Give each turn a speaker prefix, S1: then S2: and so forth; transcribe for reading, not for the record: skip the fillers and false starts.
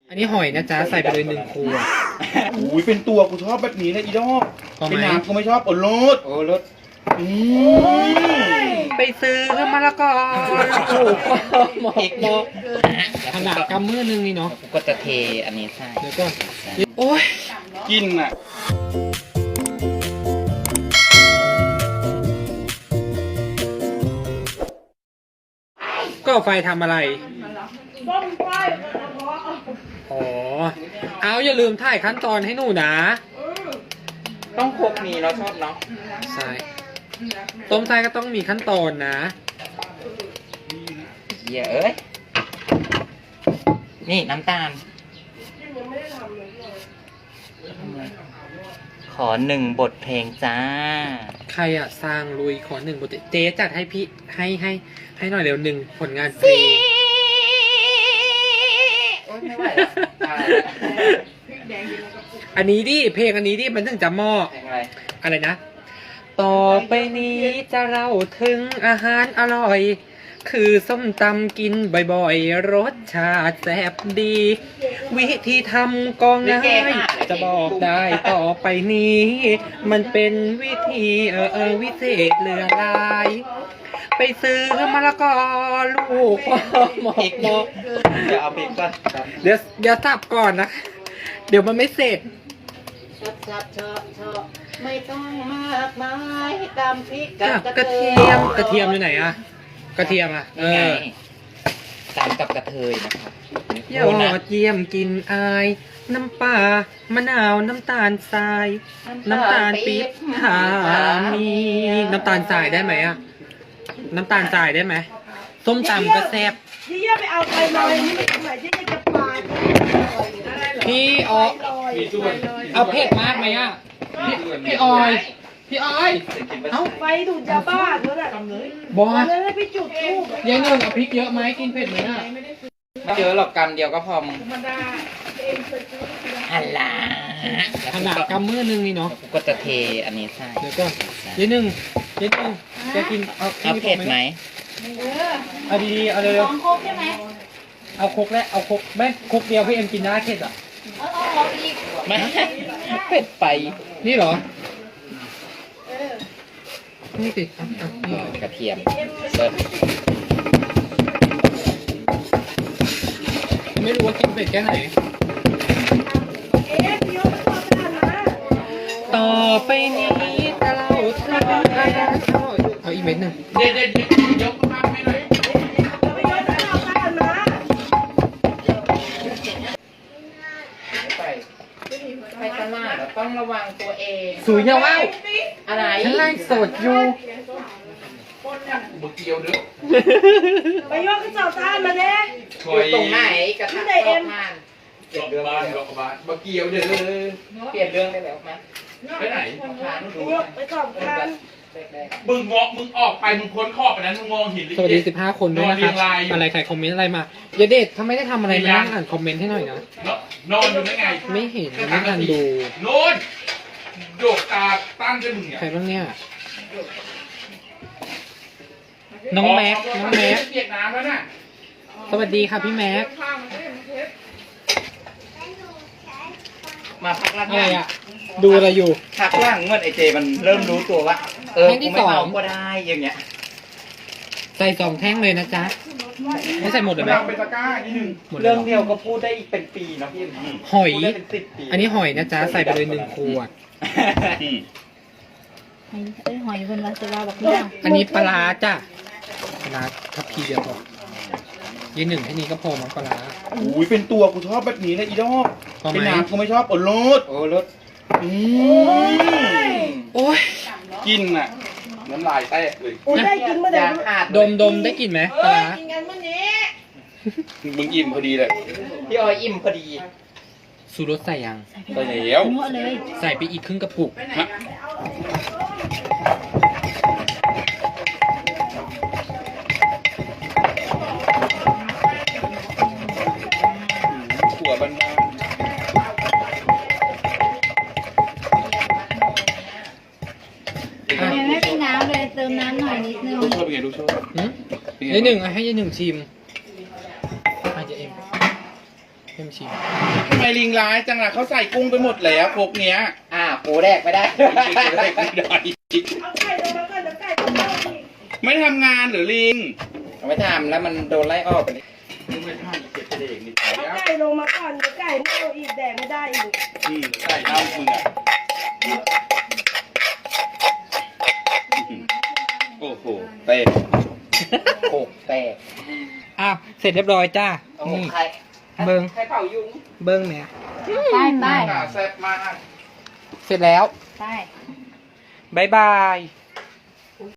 S1: อันนี้หอยนะจ๊ะใส่ไปเลย1 ขวด
S2: อุ้ยเป็นตัวกูชอบแบบนี้เลยอีดอก
S1: พอไหม
S2: เป็นน้ำกูไม่ชอบโอ้รส
S3: โอ้รถ
S1: ไปซื้อมะละกอลูกหมอกขนาดกำมือนึงนี่เนาะ
S3: กูก็จะเทอันนี้ใช่
S1: เดี๋ยวก่อนโอ้ย
S2: กินอ่ะ
S1: ก็ไฟทำอะไรอ๋อเอาอย่าลืมถ่ายขั้นตอนให้หนูนะ
S3: ต้องครบมีเราชอบเนาะ
S1: ใช่ต้มไทยก็ต้องมีขั้นตอนนะ
S3: เหี้ยเอ้ยนี่น้ำตาลขอ1 บทเพลงจ้า
S1: ใครอะสร้างลุยขอ1 บทเจ๊จัดให้พี่ให้หน่อยเร็ว1 ผลงานเพลง
S3: โอ๊ยไม่ไหวแล้วตายแล้ว
S1: อันนี้ดิเพลงอันนี้ดิมันถึงจะเหมาะ
S3: เพลงอะไร
S1: อะไรนะ ต่อไปนี้จะเล่าถึงอาหารอร่อย คือส้มตำกินบ่อยๆ รสชาติแซ่บดี วิธีทำก็ง่ายจะบอกได้ต่อไปนี้ มันเป็นวิธีวิเศษเหลือหลาย ไปซื้อมะละกอลูกหมอก
S3: เดี๋ยวเอาพริกก่อน
S1: เดี๋ยวสับก่อนนะ เดี๋ยวมันไม่เสร็จ
S3: ชับเชาะไม่ต้องมากมายตามพริก
S1: กับกระเทียมอยู่ไหนอะกระเทียมอะ
S3: ตามกับกระเทยนะครับ
S1: ยอดเยี่ยมกินอาย น้ำปลามะนาวน้ำตาลทราย น้ำตาลปี๊บหามีน้ำตาลทรายได้ไหมอะน้ำตาลทรายได้ไหมส้มตำก็แซ่บ
S4: เยี่ยไปเอาไปลอยนี่ไม่ทำไมเยี่ยจะปาด
S1: พี่ออยเอาเผ็ดมากไหมอะพี่ออยเอ้า
S4: ไฟดูดยาบ้าเถอะน่ะ
S1: บอส
S4: เลยให้ไปจุดทูบ
S1: ยายหนึ่งเอาพริกเยอะไหมกินเผ็ดไหมอะ
S3: ไม่เยอะหรอกกำเดียวก็พอมึงฮัลโหล
S1: ขนาดกำมือนึงนี่เนาะ
S3: กูก็จะเทอันนี้ใช่
S1: เดี๋ยวก่อนยายหนึ่งจะกินเอา
S3: เอาเผ็ดไหม
S1: เอาดีๆเอาเร็ว
S4: ของโคกใช่ไหม
S1: ๆเอาครกแล้วเอาครกแม่ครกเดียวพี่เอ็มกินได้เผ็ดอ่ะ
S4: เอาอีก
S3: ไม่เผ็ดไป
S1: นี่เหรอนี่สินี่
S3: กระเทียมเริ่ม
S1: ไม่รู้ว่ากินเผ็ดแค่ไหน
S4: พี่ยกไปทำงานนะ
S1: ต่อไปนี้จะเล่าถึงอาหารเอาอีกเม็ดหนึ่ง
S2: เด็ดยกมาให้หน่อย
S4: ไปยกไปทำงานนะ
S3: ไปตลาดเราต้องระวังตัวเอง
S1: สุยเนี่ยว้าว
S3: อะไร
S1: ฉันไล่สดอยู่
S2: บะเกียวเด้อ
S4: ไปยกกระสอบทานมาเลย
S3: อยู่ตรงไหนกระทะรอบบ้าน
S2: ดอกบานบะเกียวเด้อ
S3: เปลี่ยนเรื่องได้แล้วไหม
S2: ไปไหน
S3: ทานดู
S4: ยกไปสอบทาน
S2: มึงออกไปมึงพ้นขอบไปนั้นมึงมองเห็น
S1: สวัสดี15 คนด้วยนะครับอะไรใครคอมเมนต์อะไรมาอย่าเด็ดทำไมได้ทำอะไรมาอ่านคอมเมนต์ให้หน่อยนะ
S2: นอนอยู่ได้ไง
S1: ไม่เห็นไม่ทันดู
S2: โน่นโดกตาตั้งจมึงเนี่ย
S1: ใครบ้างเนี่ยน้องแม็ก
S2: เปียกน้ำแล้วน่ะ
S1: สวัสดีค่ะพี่แม็ก
S3: มาพักหลัง
S1: อะไรอ่ะ ดูอะไรอยู่
S3: พักหลังเมื่อไอเจมันเริ่มรู้ตัวว่า
S1: แท่งที่
S3: กูไม่
S1: สอง
S3: เอาก็ได้อย่างเงี้ย
S1: ใส่2 แท่งเลยนะจ๊ะ ไม่ใส่หมดเลยไหม
S2: เราเป็นตะกร้านิดนึง
S1: หมดเลย
S3: เรื่อง
S1: เหรอ
S3: เดียวก็พูดได้อีกเป็นปีเนาะพี่
S1: หอย
S3: พูดได้เป็น10 ปี
S1: อันนี้หอยนะจ๊ะ ใส่ไปเลย1 ขวด
S4: หอยคนละจะว่าแบบนี้
S1: อันนี้ปลาร้าจ้ะปลาร้าทับพีเดียวพอยี1แค่นี้ก็พอมั้งปลาร้า
S2: อุ้ยเป็นตัวกูชอบแบบนี้เลยอีดอก
S1: พอไหม
S2: เป็นน้ำกูไม่ชอบโอ้รส
S3: โอ้รถ
S1: โอ้ย
S2: กินอ่ะน้ำลายแตกเลย
S4: โอ้ได้กินเมื่อไหร่
S3: ยาขาด
S1: ดมได้กลิ่นไหมปลาร้า
S4: กินกันเมื่อนี้
S2: มึงอิ่มพอดีเลย
S3: พี่ออยอิ่มพอดี
S1: สูรสใส่ยัง
S2: ไปแล้ว
S4: มั่วเลย
S1: ใส่ไปอีกครึ่งกระปุก
S2: ฮะหัวบันดาล
S4: ยังไม่มีน้ำเลยเติมน้ำหน่อยนิดนึง
S2: ลูกโชว์เป็นไงลูกโชว์
S1: หืมยี1ให้ยี1ชิมให้เอ็มชิม
S2: ทำไมลิงร้ายจังล่ะเขาใส่กุ้งไปหมดแล้วพวกเนี้ย
S3: ปูแรกไม่ได้
S4: เอาไก่ลงมาก่อนเดี๋ยวไก่ต้องเข้าอีก
S2: ไม่ทำงานหรือลิง
S3: ไม่ทำแล้วมันโดนไล่ออกไปเลย
S2: ไม่ทำเก็บเด็กนี่
S4: เอาไก่ลงมาก่อนเดี๋ยวไก่ไม่เอาอีกแดกไม่ได้อีก
S2: ใส่เน่ามึงอ่ะโอ้โหเต้
S3: โขกแตก
S1: อ้าวเสร็จเรียบร้อยจ้า
S3: โอ้โห
S1: นี่
S3: ใคร
S1: เบิ้ง
S3: ใครเป่ายุง
S1: เบิ้งเนี่ย
S5: ใต้ใต้
S2: แซ่บมาก
S1: เสร็จแล้ว
S5: ใต้
S1: บายบาย